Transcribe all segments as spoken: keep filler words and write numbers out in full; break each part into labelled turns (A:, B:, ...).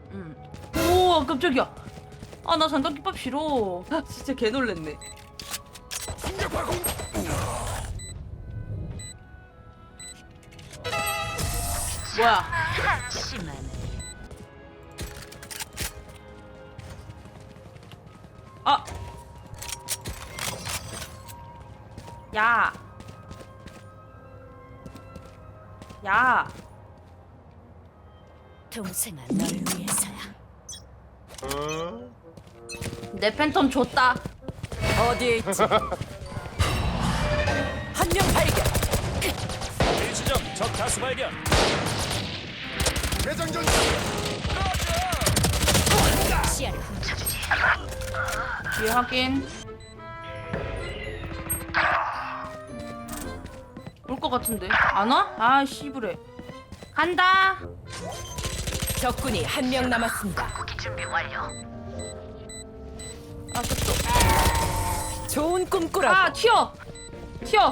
A: 응. 오 깜짝이야. 아 나 삼각김밥 싫어. 아, 진짜 개 놀랬네. 뭐야? 아. 야. 야.
B: 동생아, 널 위해서야.
A: 내 팬텀 줬다.
B: 어디에 있지? 한 명 발견.
C: 일시적 적 다수 발견.
D: 대장전.
B: 시야를 훔쳐주지.
A: 뒤에 확인. 올 것 같은데 안 와? 아 씨부래. 간다.
B: 적군이 한 명 남았습니다.
A: 아 됐어.
B: 좋은 꿈 꾸라고.
A: 아 튀어. 튀어.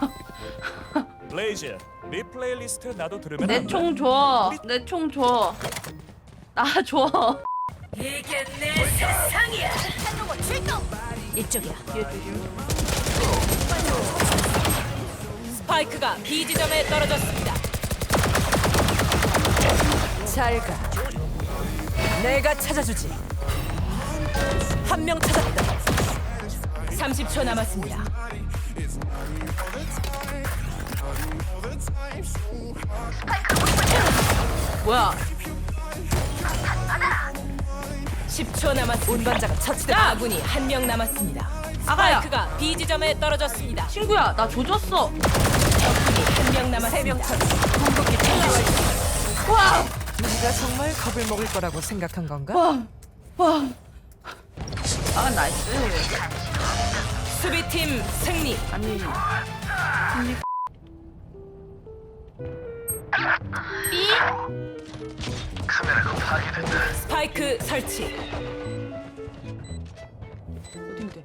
C: 레이즈 리플레이 리스트 나도 들으면
A: 내
C: 안 돼?
A: 총 줘. 내 총 줘. 나 줘.
B: 이게 내 세상이야. 이쪽이야.
A: 뒤에 조심.
B: 스파이크가 B 지점에 떨어졌습니다. 잘 가. 내가 찾아주지. 한 명 찾았다. 삼십 초 남았습니다.
A: 뭐야?
B: 십 초 남았습니다. 운반자가 처치됐다.
A: 야!
B: 아군이 한 명 남았습니다.
A: 아가야.
B: 스파이크가 B 지점에 떨어졌습니다.
A: 친구야 나 조졌어.
B: 적군이 한 명 남았습니다. 세명 처치. 궁극기 준비 완료.
A: 와.
B: 네가 정말 겁을 먹을 거라고 생각한 건가?
A: 와. 와. 아 나이스.
B: 수비팀 승리.
A: 아니. 아니. 삐?
B: 스파이크 설치.
A: 어딘데?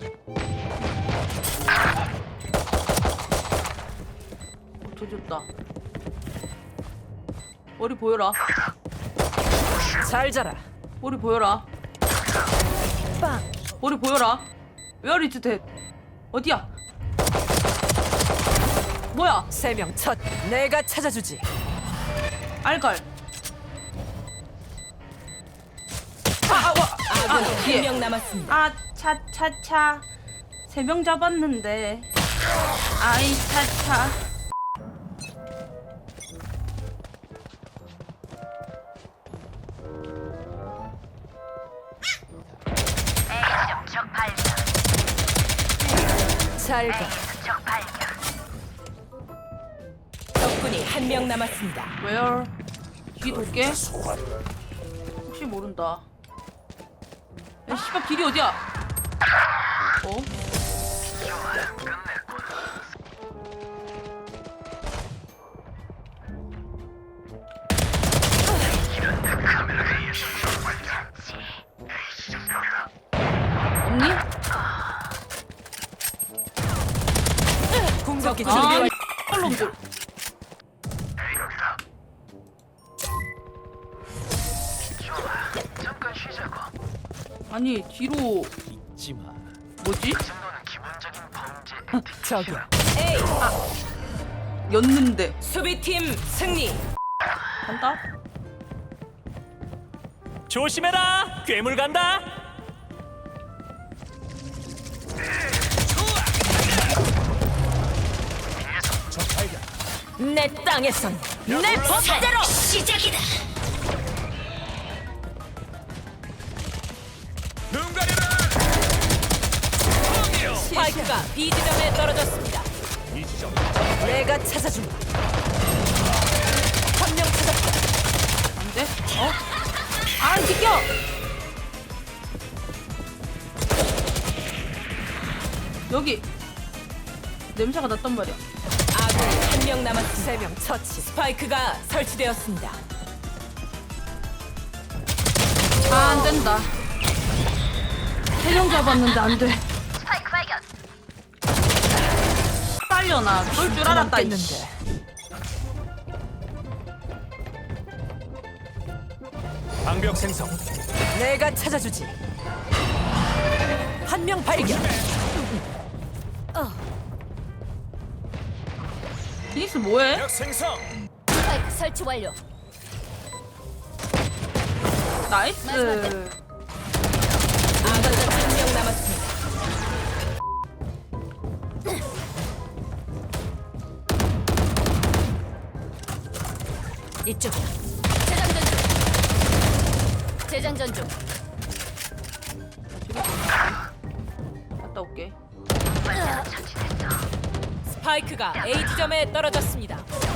A: 어, 조졌다. 머리 보여라.
B: 잘 자라.
A: 머리 보여라.
B: 빵.
A: 머리 보여라. Where is that? 어디야? 뭐야?
B: 세 명 첫. 내가 찾아주지.
A: 알갈. 아, 아, 와.
B: 아군이
A: 아,
B: 한
A: 뒤에.
B: 명 남았습니다.
A: 아, 차, 차, 차. 세 명 잡았는데. 아이, 차, 차.
B: 잘 가. 적군이 한 명 남았습니다.
A: Where? 뒤 돌게. 혹시 모른다. 야, 씨발 길이 어디야? 어? 없니?
B: 공격기
A: 아,
B: 준비 완료.
A: 놈들. 아니 뒤로
C: 잊지 마.
A: 뭐지?
B: 저기야. 에이.
A: 였는데
B: 수비팀 승리.
A: 간다?
C: 조심해라. 괴물 간다. 적 발견.
B: 내 땅에선 내 법대로 시작이다.
C: 눈 가리라.
B: 스파이크가 B 지점에 떨어졌습니다.
C: 이 지점.
B: 내가 찾아준다. 한 명 찾았다.
A: 안 돼? 어? 아 비켜! 여기 냄새가 났단 말이야.
B: 아군이 한 명 남았습니다. 세 명 처치. 스파이크가 설치되었습니다.
A: 아 안 된다. 세 명 잡았는데 안 돼. 빨려나 그럴 줄 알았다. 이씨.
B: 했는데.
C: 방벽 생성.
B: 내가 찾아주지. 한 명 발견.
A: 피닉스 뭐해?
C: 벽 생성.
D: 스파이크 설치 완료.
A: 나이스.
B: 아군자 한 명 남았습니다. 이쪽이야.
D: 재장전 중. 재장전 중.
A: 갔다 올게.
B: 스파이크가 A 지점에 떨어졌습니다.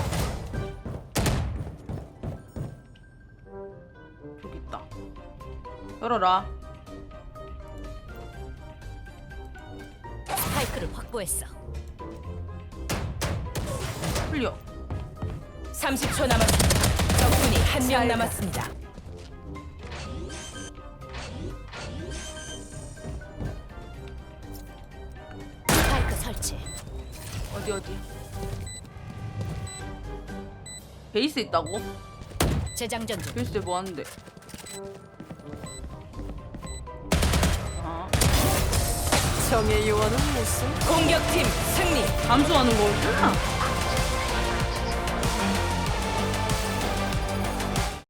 A: 저기 있다. 열어라.
D: 스파이크를 확보했어.
A: 풀려.
B: 삼십 초 남았습니다. 적군이 한 명 남았습니다.
D: 스파이크 설치.
A: 어디 어디? 베이스 있다고?
D: 재장전 중.
A: 베이스에 뭐 하는데? 아,
B: 정의 요원은 무슨? 공격팀 승리.
A: 감수하는 거구나.